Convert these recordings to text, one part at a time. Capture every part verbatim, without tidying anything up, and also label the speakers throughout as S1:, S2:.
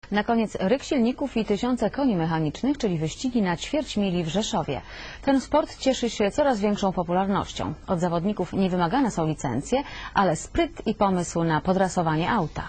S1: Na koniec ryk silników i tysiące koni mechanicznych, czyli wyścigi na ćwierć mili w Rzeszowie. Ten sport cieszy się coraz większą popularnością. Od zawodników nie wymagane są licencje, ale spryt i pomysł na podrasowanie auta.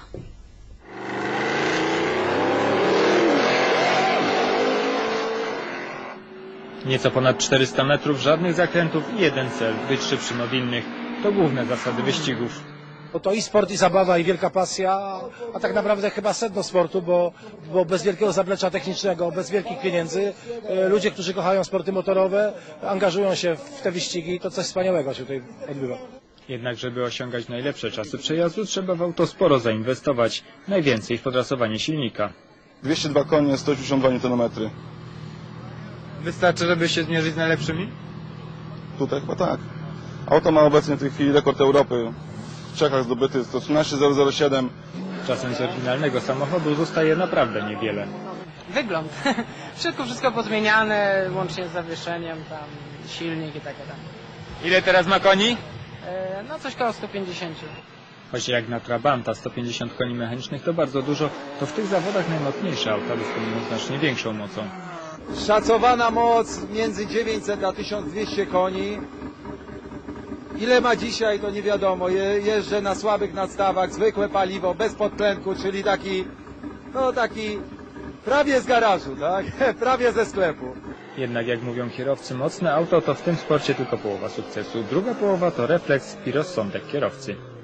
S2: Nieco ponad czterysta metrów, żadnych zakrętów i jeden cel – być szybszym od innych. To główne zasady wyścigów.
S3: Bo to i sport, i zabawa, i wielka pasja, a tak naprawdę chyba sedno sportu, bo, bo bez wielkiego zaplecza technicznego, bez wielkich pieniędzy, e, ludzie, którzy kochają sporty motorowe, angażują się w te wyścigi i to coś wspaniałego się tutaj odbywa.
S2: Jednak żeby osiągać najlepsze czasy przejazdu, trzeba w auto sporo zainwestować, najwięcej w podrasowanie silnika.
S4: dwieście dwa konie, sto osiemdziesiąt dwa niutonometry.
S2: Wystarczy, żeby się zmierzyć z najlepszymi?
S4: Tutaj chyba tak. Auto ma obecnie w tej chwili rekord Europy. W Czechach zdobyty sto trzynaście zero zero siedem.
S2: Czasem z oryginalnego samochodu zostaje naprawdę niewiele.
S5: Wygląd. Wszystko, wszystko pozmieniane, łącznie z zawieszeniem, tam silnik i takie tam.
S2: Ile teraz ma koni?
S5: E, no coś koło sto pięćdziesiąt.
S2: Choć jak na Trabanta sto pięćdziesiąt koni mechanicznych to bardzo dużo, to w tych zawodach najmocniejsze auta dysponują znacznie większą mocą.
S6: Szacowana moc między dziewięćset a tysiąc dwieście koni. Ile ma dzisiaj, to nie wiadomo. Je, jeżdżę na słabych nadstawach, zwykłe paliwo, bez podtlenku, czyli taki, no taki prawie z garażu, tak? Prawie ze sklepu.
S2: Jednak jak mówią kierowcy, mocne auto to w tym sporcie tylko połowa sukcesu. Druga połowa to refleks i rozsądek kierowcy.